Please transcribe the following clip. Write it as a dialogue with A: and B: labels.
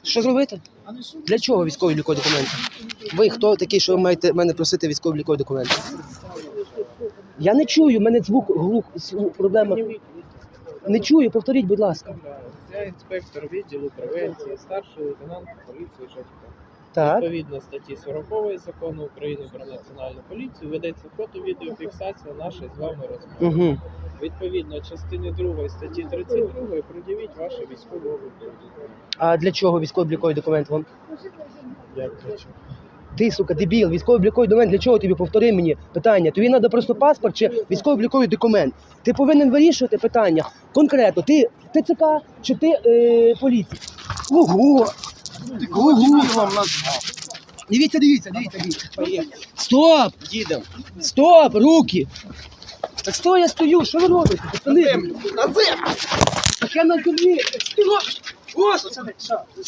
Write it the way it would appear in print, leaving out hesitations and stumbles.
A: Що зробити? Для чого військово-облікові документи? Ви хто такий, що ви маєте мене просити військово-облікові документи? Я не чую, в мене звук, проблема. Не чую, повторіть, будь ласка.
B: Я інспектор відділу превенції, старший лейтенант поліції Шевченка.
A: Так.
B: Відповідно статті 40 Закону України про національну поліцію ведеться фото-відеофіксація нашої з вами розмови.
A: Угу.
B: Відповідно частини 2 статті 32 пред'явіть ваші військово-облікові документи.
A: А для чого військово-облікові документи вам?
B: Як для чого?
A: Ти, сука, дебіл, військово-обліковий документ, для чого тобі? Повтори мені питання. Тобі треба просто паспорт чи військово-обліковий документ? Ти повинен вирішувати питання конкретно. Ти ТЦК чи ти поліція? Ого! Ого! Дивіться. Стоп!
B: Їдемо.
A: Стоп! Руки! Так стой, я стою, що ви робите? Пацани?
B: На землю!
A: Так я на землі! Що ти робиш? Ось!